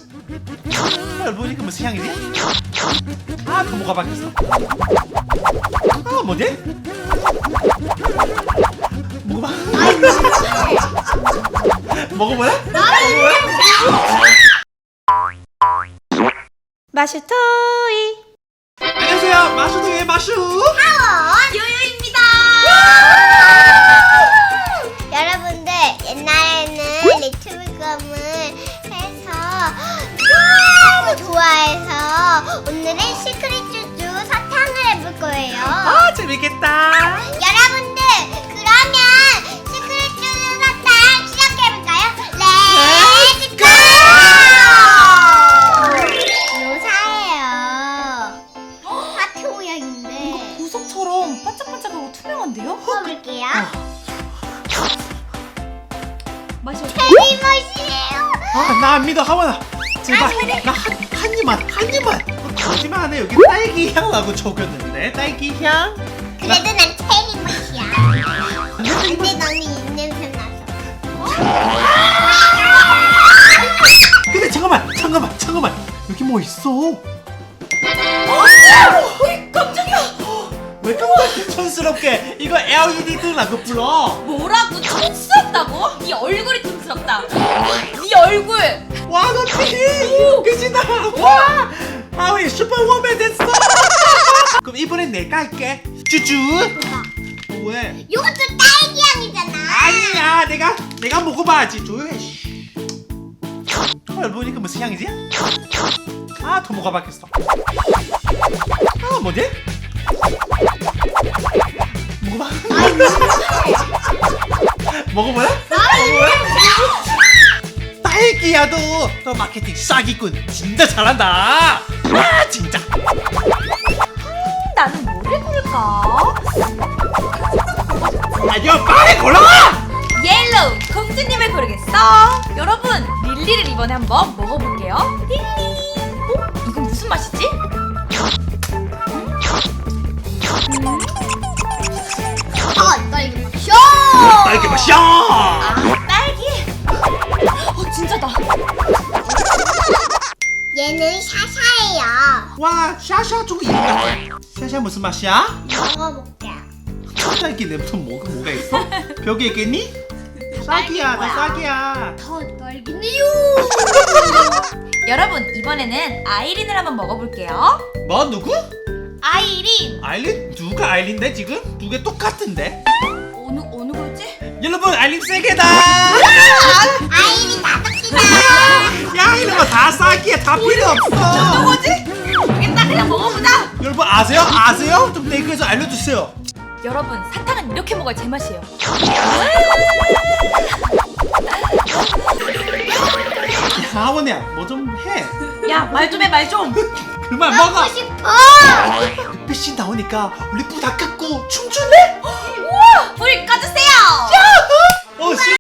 보니까 무슨 향이지? 아, 또 뭐가 바뀌었어? 아, 뭐지? 먹어봐. 먹어볼래? 마슈토이 안녕하세요, 마슈도의 마슈. 요요입니다. 여러분들 옛날에는 리트브검을 해서 너무 좋아해서 오늘은 시크릿 쭈쭈 사탕을 해볼 거예요. 아, 재밌겠다. 여러분들 그러면 시크릿 쭈쭈 사탕 시작해볼까요? 렛츠고! 요사예요. 하트 모양인데 보석처럼 반짝반짝하고 투명한데요? 먹어볼게요. 맛이 어때요? 체리 맛이에요. 아, 나 안 믿어, 하원아. 제발, 나 한 입만. 거짓말하네. 여기 딸기 향 나고 적었는데 딸기 향. 그래도 난 체리 맛이야. 근데 너는 입냄새 나서. 근데 잠깐만. 여기 뭐 있어? 어이 깜짝이야. 왜 그렇게 촌스럽게 이거 LED 등라고 불러? 뭐라고 촌스럽다고? 네 얼굴이 촌스럽다. 네 얼굴. 와, 너 되게 웃기시다. 와, 하원이 슈퍼워맨 됐어. 그럼 이번엔 내가 할게. 쭈쭈. 왜? 이것도 딸기 향이잖아. 아니야, 내가 먹어봐야지. 조용해. 보니까 무슨 향이지? 아, 또 뭐가 바뀌었어? 아, 뭐지? 먹어봐. 먹어볼래? 딸기야, 너 마케팅 싹이군. 진짜 잘한다. 아, 진짜. 나는 뭐를 고를까? 아니야, 빨리 골라. 옐로우 공주님을 고르겠어. 여러분 릴리를 이번에 한번 먹어볼게요. 릴리. 이건 무슨 맛이지? 딸기 맛이야. 딸기 맛이야. 아 딸기. 진짜다. 얘는 샤샤예요. 와, 샤샤 좀 이름 같아. 샤샤 무슨 맛이야? 먹어볼게요. 딸기 냄새 뭐가 있어? 벽에 있겠니? 싹이야, 나 싹이야. 더 딸기네요. 여러분 이번에는 아이린을 한번 먹어볼게요. 뭐, 누구? 아이린. 아일린? 누가 아일린데 지금? 두 개 똑같은데? 어느 거지? 여러분, 아일린 세개다. 아이리 다섯이다. 야, 이런 거 다 싹이야. 다 필요 없어. 뭐지? 모르겠다. 그냥 먹어보자. 여러분 아세요? 좀 댓글에서 알려주세요. 여러분 사탕은 이렇게 먹어야 제맛이에요. 야, 하원이야, 뭐 좀 해. 야 말 좀 해 말 좀. 그만 먹어. 먹고 싶어. 빛이 나오니까 우리 불 다 끄고 춤출래? 우와 불 꺼주세요. 어, 씨.